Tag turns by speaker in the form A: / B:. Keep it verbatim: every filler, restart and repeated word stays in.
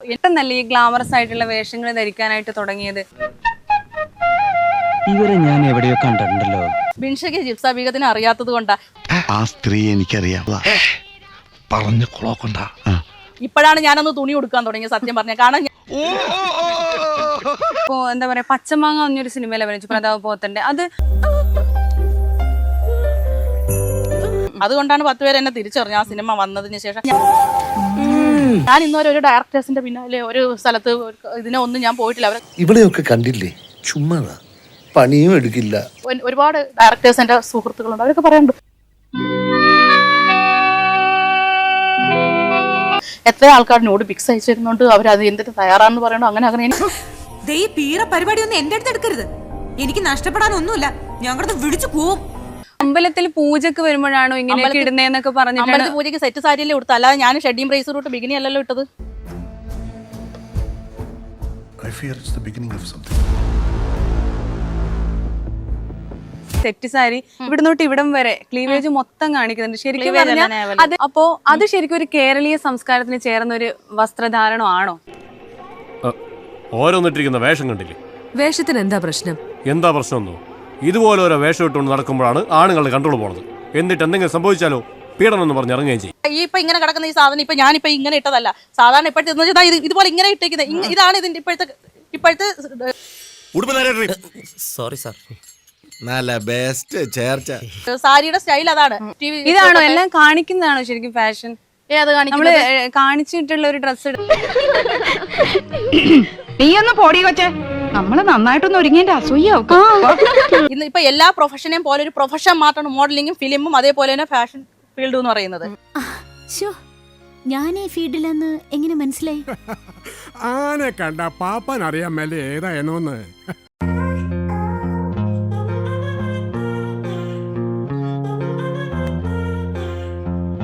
A: പെട്ടെന്നല്ലേ ഈ ഗ്ലാമറസ് ആയിട്ടുള്ള വേഷങ്ങൾ ധരിക്കാനായിട്ട് തുടങ്ങിയത്?
B: ഇവരെ ഞാൻ എവിടെയോ കണ്ടിട്ടുണ്ടല്ലോ.
C: ബിൻഷയ്ക്ക് ജിപ്സ ബീഗത്തിനെ അറിയാത്തത് കൊണ്ടാ.
D: ആ സ്ത്രീ എനിക്കറിയാം. പറഞ്ഞു കൊളോക്കണ്ട.
C: ഇപ്പോഴാണ് ഞാനൊന്ന് തുണി കൊടുക്കാൻ തുടങ്ങിയ സത്യം പറഞ്ഞ. കാരണം
A: ഇപ്പോ എന്താ പറയാ, പച്ചമാങ്ങ എന്നൊരു സിനിമയിൽ അഭിനയിച്ചു പ്രതാപ് പോത്തന്റെ. അത്
C: അതുകൊണ്ടാണ് പത്ത് പേര് എന്നെ തിരിച്ചറിഞ്ഞു ആ സിനിമ വന്നതിന് ശേഷം. ഞാൻ ഇന്നുവരെ ഒരു ഡയറക്ടേഴ്സിന്റെ പിന്നാലെ ഒരു സ്ഥലത്ത് ഇതിനെ ഒന്നും ഞാൻ പോയിട്ടില്ല. അവരെ
E: ഇവിടെയൊക്കെ കണ്ടില്ലേ, ചുമ്മാ പണിയും എടുക്കില്ല.
C: ഒരുപാട് ഡയറക്ടേഴ്സ് എന്റെ സുഹൃത്തുക്കളുണ്ട്, അവരൊക്കെ പറയാറുണ്ട് എത്ര ആൾക്കാരിനോട് പിക്സ് അയച്ചിരുന്നോണ്ട് അവരത് എന്തിട്ട് തയ്യാറാണെന്ന് പറയണോ. അങ്ങനെ അങ്ങനെ
F: പീറ പരിപാടി ഒന്നും എന്റെ അടുത്ത് എടുക്കരുത്. എനിക്ക് നഷ്ടപ്പെടാനൊന്നുമില്ല. ഞങ്ങളത് വിളിച്ചു പോവും.
A: അമ്പലത്തിൽ പൂജക്ക് വരുമ്പോഴാണോ ഇങ്ങനെ ഇടുന്നേന്നൊക്കെ പറഞ്ഞിട്ട്?
C: അമ്പലത്തിൽ പൂജയ്ക്ക് സെറ്റ് സാരിയല്ലേ കൊടുത്തു, അല്ലാതെ ഞാൻ ഷെഡിയും ബ്രേസർ തൊട്ട് ബിഗിനി അല്ലല്ലോ ഇട്ടത്.
A: സെറ്റ് സാരി ഇവിടുന്ന് തൊട്ട് ഇവിടം വരെ ക്ലീവേജ് മൊത്തം കാണിക്കുന്നുണ്ട്. ശരിക്കും പറഞ്ഞാൽ അത് അപ്പോ അത് ശരിക്കും ഒരു കേരളീയ സംസ്കാരത്തിന് ചേർന്ന ഒരു വസ്ത്രധാരണം ആണോ?
G: ഓരോന്നിട്ടിരിക്കുന്ന വേഷം കണ്ടില്ലേ?
F: വേഷത്തിന് എന്താ പ്രശ്നം?
G: എന്താ പ്രശ്നമൊന്നോ? ഇതുപോലെ ഓരോ വേഷം ഇട്ടുകൊണ്ട് നടക്കുമ്പോഴാണ് ആണുങ്ങളുടെ കൺട്രോൾ പോണത്. എന്നിട്ട് എന്തെങ്കിലും സംഭവിച്ചാലോ പീഡനം എന്ന് പറഞ്ഞ് ഇറങ്ങുകയും ചെയ്യും.
C: ഈ ഇപ്പൊ ഇങ്ങനെ കിടക്കുന്ന ഈ സാധനം ഇപ്പൊ ഞാനിപ്പോ ഇങ്ങനെ ഇട്ടതല്ല. സാധാരണ ഇപ്പോഴത്തെ ഇതുപോലെ ഇങ്ങനെ ഇട്ടേക്കുന്നത് ഇതാണ് ഇതിന്റെ ഇപ്പോഴത്തെ ഇപ്പോഴത്തെ
H: സോറി സാർ. നല്ല ബെസ്റ്റ് ചേർച്ച.
C: സാരിയുടെ സ്റ്റൈൽ അതാണ്.
A: ഇതാണോ എല്ലാം കാണിക്കുന്നതാണോ ശരിക്കും ഫാഷൻ?
C: ഏത്
A: നമ്മള് കാണിച്ചിട്ടുള്ള ഒരു ഡ്രസ്?
I: നീ ഒന്ന് പോടി കൊച്ചേ, നമ്മള് നന്നായിട്ടൊന്ന് ഒരുങ്ങിന്റെ അസൂയ.
C: ഇന്ന് ഇപ്പൊ എല്ലാ പ്രൊഫഷനെയും പോലെ ഒരു പ്രൊഫഷൻ മാത്രമാണ് മോഡലിംഗും ഫിലിമും അതേപോലെ തന്നെ ഫാഷൻ ഫീൽഡ് എന്ന് പറയുന്നത്.
J: ഞാൻ ഈ ഫീൽഡിലെന്ന് എങ്ങനെ മനസ്സിലായി?
K: ആനെ കണ്ട പാപ്പാൻ അറിയാൻ മേലെ ഏതായെന്നോന്ന്.